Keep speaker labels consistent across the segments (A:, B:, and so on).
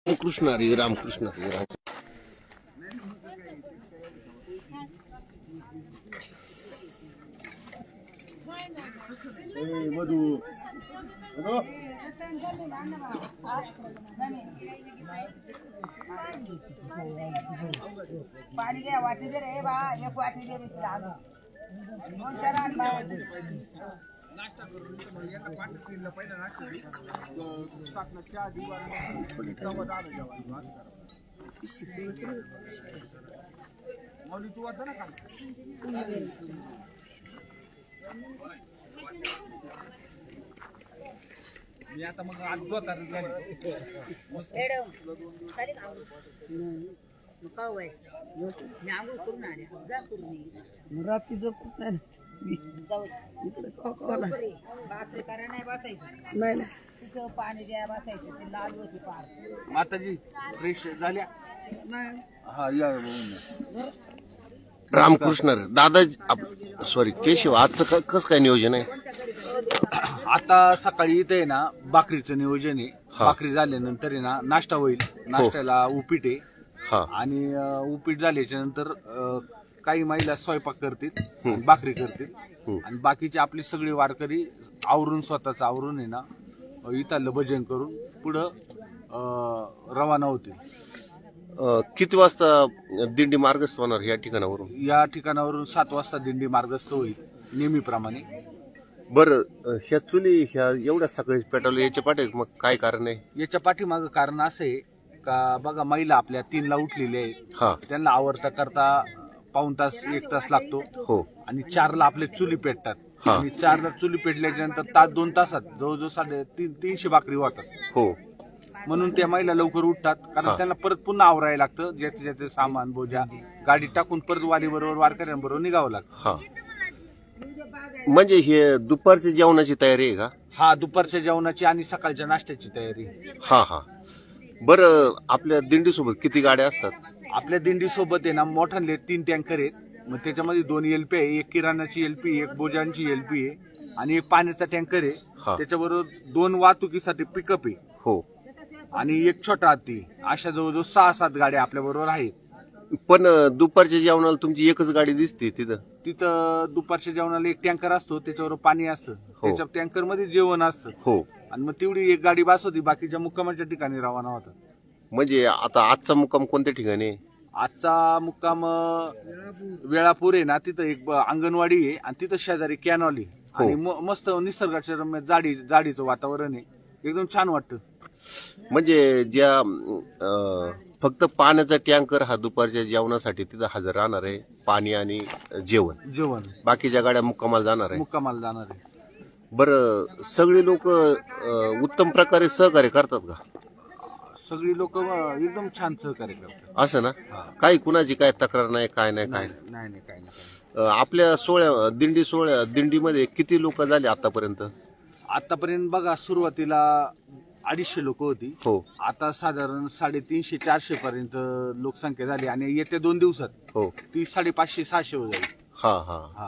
A: रामकृष्ण हरी रामकृष्ण हरी राम.
B: पाणी घ्या वाटी दे रे बा एक वाटी दे रे दोन चार आण बा नाश्ता करून एका पाटीला पहिला नाश्ता साखरच्या दिवार थोडी तवा दाल जेवण मौली तू आता ना मी आता मग आज दोतार झाली मॅडम खाली मग का व्हायचं मी आंघोळ करून आले जा करून रात्री झोपत नाही जाऊ इकडे बापरे करा नाही बसायचं नाही ना तिथं पाणी द्या बसायचं ते लाल होती पार माताजी फ्रेश झाल्या नाही हा या
A: रामकृष्ण हरी. दादा सॉरी केशव, आजचं कसं काय नियोजन आहे?
C: आता सकाळी इथे आहे ना भाकरीचं नियोजन आहे. भाकरी झाल्यानंतर आहे ना नाश्ता होईल. नाश्त्याला उपीट आहे आणि उपीट झाल्याच्या नंतर काही महिला स्वयंपाक करतील, भाकरी करतील आणि बाकीचे आपली सगळी वारकरी आवरून स्वतःच आवरून आहे ना इथलं भजन करून पुढं रवाना होतील.
A: किती वाजता दिंडी मार्गस्थ होणार या ठिकाणावरून?
C: या ठिकाणावरून 7 वाजता दिंडी मार्गस्थ होईल नेहमीप्रमाणे.
A: बरं, ह्या चुली ह्या एवढ्या सकाळी पेटवल्या याच्या पाठी मग काय कारण आहे?
C: याच्या पाठीमागं कारण असं आहे का बघा महिला आपल्या 3ला उठलेल्या आहेत, त्यांना आवरता करता पाऊण तास 1 तास लागतो
A: हो
C: आणि 4ला आपले चुली पेटतात आणि 4ला चुली पेटल्याच्या नंतर तास 2 तासात जवळजवळ 300 भाकरी होतात
A: हो.
C: म्हणून त्या महिला लवकर उठतात कारण त्यांना परत पुन्हा आवरायला लागतं. ज्याचे ज्याचे सामान बोजा गाडी टाकून परत वारी बरोबर वारकऱ्यांबरोबर निघावं लागतं.
A: म्हणजे हे दुपारच्या जेवणाची तयारी आहे का?
C: हा, दुपारच्या जेवणाची आणि सकाळच्या नाश्त्याची तयारी.
A: हा. बरं, आपल्या दिंडी सोबत किती गाड्या असतात?
C: आपल्या दिंडी सोबत आहे ना मोठ्याले 3 टँकर आहेत. मग त्याच्यामध्ये 2 एलपी आहे, एक किराणाची एलपी, एक बोजांची एलपी आहे आणि एक पाण्याचा टँकर आहे. त्याच्याबरोबर 2 वाहतुकीसाठी पिकअप आहे
A: हो
C: आणि एक छोटा हत्ती. अशा जवळजवळ 6-7 गाड्या आपल्या बरोबर आहेत.
A: पण दुपारच्या जेवणाला तुमची एकच गाडी दिसते
C: तिथं दुपारच्या जेवणाला एक टँकर असतो, त्याच्यावर पाणी असतं, त्याच्या टँकर मध्ये जेवण असतं हो आणि मग तेवढी एक गाडी बास होती. बाकीच्या मुक्कामाच्या ठिकाणी रवाना होतात.
A: म्हणजे आता आजचा मुक्काम कोणत्या ठिकाणी आहे?
C: आजचा मुक्काम वेळापूर आहे ना, तिथं एक अंगणवाडी आहे आणि तिथं शेजारी कॅनॉल आहे आणि मस्त निसर्गाच्या रम्य जाडीचं वातावरण आहे, एकदम छान वाटतं.
A: म्हणजे ज्या फक्त पाण्याचा टँकर हा दुपारच्या जेवणासाठी तिथं हजर राहणार आहे, पाणी आणि जेवण. बाकीच्या गाड्या मुक्कामाला जाणार आहे. बरं, सगळी लोक उत्तम प्रकारे सहकार्य करतात का?
C: सगळी लोक एकदम छान सहकार्य करतात.
A: असं ना? काही कुणाची काय तक्रार नाही, काय नाही. आपल्या दिंडीमध्ये किती लोक झाले आतापर्यंत?
C: आतापर्यंत बघा सुरुवातीला 250 लोक होती हो. आता साधारण 350-400 पर्यंत लोकसंख्या झाली आणि येत्या 2 दिवसात हो ती 550-600 वर जाईल.
A: हा.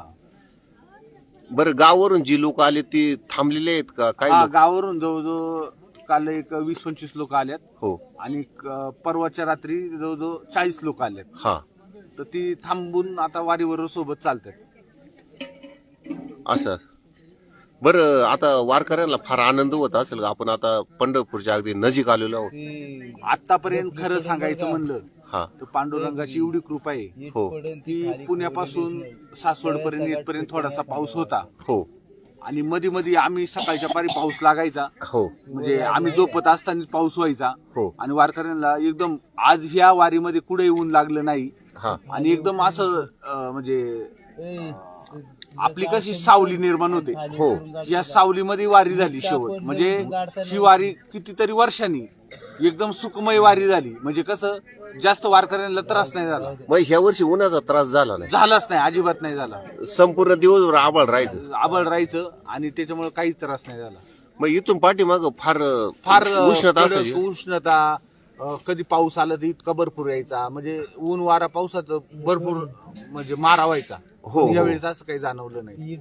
A: बरं, गावावरून जी लोक आले ती थांबलेले आहेत का? काय
C: गावावरून जवळजवळ काल एक 20-25 लोक आल्यात हो आणि परवाच्या रात्री जवळजवळ 40 लोक आल्यात. हा, तर ती थांबून आता वारीवर सोबत चालतात.
A: असं. बरं, आता वारकऱ्यांना फार आनंद होत असेल का? आपण आता पंढरपूरच्या अगदी नजीक आलेलो आहोत.
C: आतापर्यंत खरं सांगायचं म्हणलं तर पांडुरंगाची एवढी कृपा आहे हो की पुण्यापासून सासवड पर्यंत येतपर्यंत थोडासा पाऊस होता हो आणि मध्ये आम्ही सकाळच्या पारी पाऊस लागायचा हो, म्हणजे आम्ही झोपत असताना पाऊस व्हायचा हो आणि वारकऱ्यांना एकदम आज ह्या वारीमध्ये कुठे ऊन लागलं नाही आणि एकदम असं म्हणजे आपली कशी सावली निर्माण होते हो, या सावलीमध्ये वारी झाली शेवट. म्हणजे ही वारी कितीतरी वर्षांनी एकदम सुखमय वारी झाली. म्हणजे कसं जास्त वारकऱ्यांना त्रास नाही झाला.
A: मग ह्या वर्षी उन्हाचा त्रास झालाच नाही,
C: अजिबात नाही झाला.
A: संपूर्ण दिवसभर आभाळ राहायचं
C: आणि त्याच्यामुळे काहीच त्रास नाही झाला.
A: मग इथून पाठीमाग फार
C: उष्णता कधी पाऊस आला तर इतका भरपूर यायचा, म्हणजे ऊन वारा पावसाचं भरपूर म्हणजे मारा व्हायचा हो. यावेळेस असं काही जाणवलं नाही.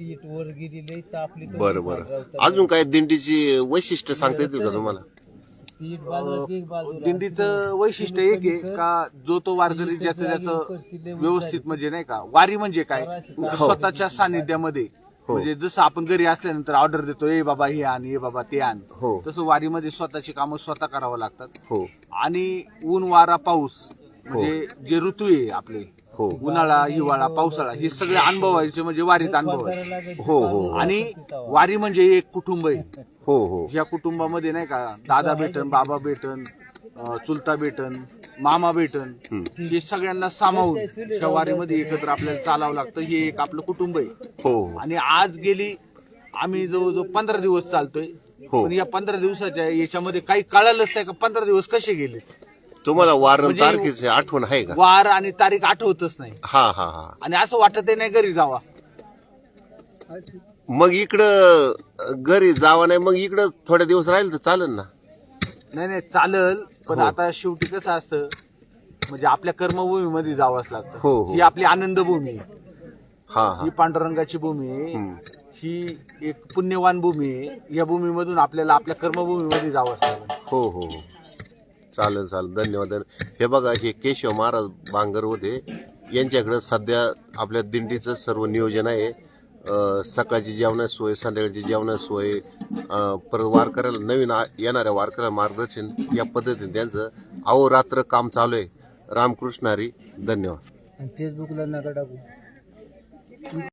A: बरं. अजून काय दिंडीची वैशिष्ट्य सांगता येतील का तुम्हाला?
C: दिंडीचं वैशिष्ट्य एक आहे का जो तो वारकरी ज्याचं व्यवस्थित म्हणजे नाही का वारी म्हणजे काय स्वतःच्या सानिध्यामध्ये म्हणजे जसं आपण घरी असल्यानंतर ऑर्डर देतो ए बाबा हे आण ए बाबा ते आण तसं वारीमध्ये स्वतःची कामं स्वतः करावं लागतात आणि ऊन वारा पाऊस म्हणजे जे ऋतू आहे आपले उन्हाळा हिवाळा पावसाळा हे सगळे अनुभवायचे म्हणजे वारीत अनुभव आणि वारी म्हणजे एक कुटुंब आहे ज्या कुटुंबामध्ये नाही का दादा भेटन बाबा भेटन चुलता भेटन मामा भेटन हे सगळ्यांना सामावून त्या वारीमध्ये एकत्र आपल्याला चालावं लागतं हे एक आपलं कुटुंब आहे आणि आज गेली आम्ही जवळजवळ 15 दिवस चालतोय पण या 15 दिवसाच्या याच्यामध्ये काही कळालंच नाही का 15 दिवस कसे गेले
A: तुम्हाला वार तारखेची आठवण आहे का
C: वार आणि तारीख आठवतच नाही
A: हा हा हा
C: आणि असं वाटत नाही घरी जावा
A: मग इकडं घरी जावा नाही मग इकडं थोडे दिवस राहील तर चालेल ना
C: नाही चालल पण आता शेवटी कसं असतं म्हणजे आपल्या कर्मभूमीमध्ये जावंच लागतं ही आपली आनंदभूमी आहे ही पांडुरंगाची भूमी आहे ही एक पुण्यवान भूमी आहे या भूमीमधून आपल्याला आपल्या कर्मभूमीमध्ये जावंच लागतं
A: हो चालेल धन्यवाद हे बघा हे केशव महाराज बांगर होते यांच्याकडे सध्या आपल्या दिंडीचं सर्व नियोजन आहे सकाळची जेवणाची सोय संध्याकाळची जेवणाची सोय परत वारकऱ्याला नवीन येणाऱ्या वारकऱ्याला मार्गदर्शन या पद्धतीने त्यांचं अहोरात्र काम चालू आहे रामकृष्ण हरी धन्यवाद
B: फेसबुकला नका टाकू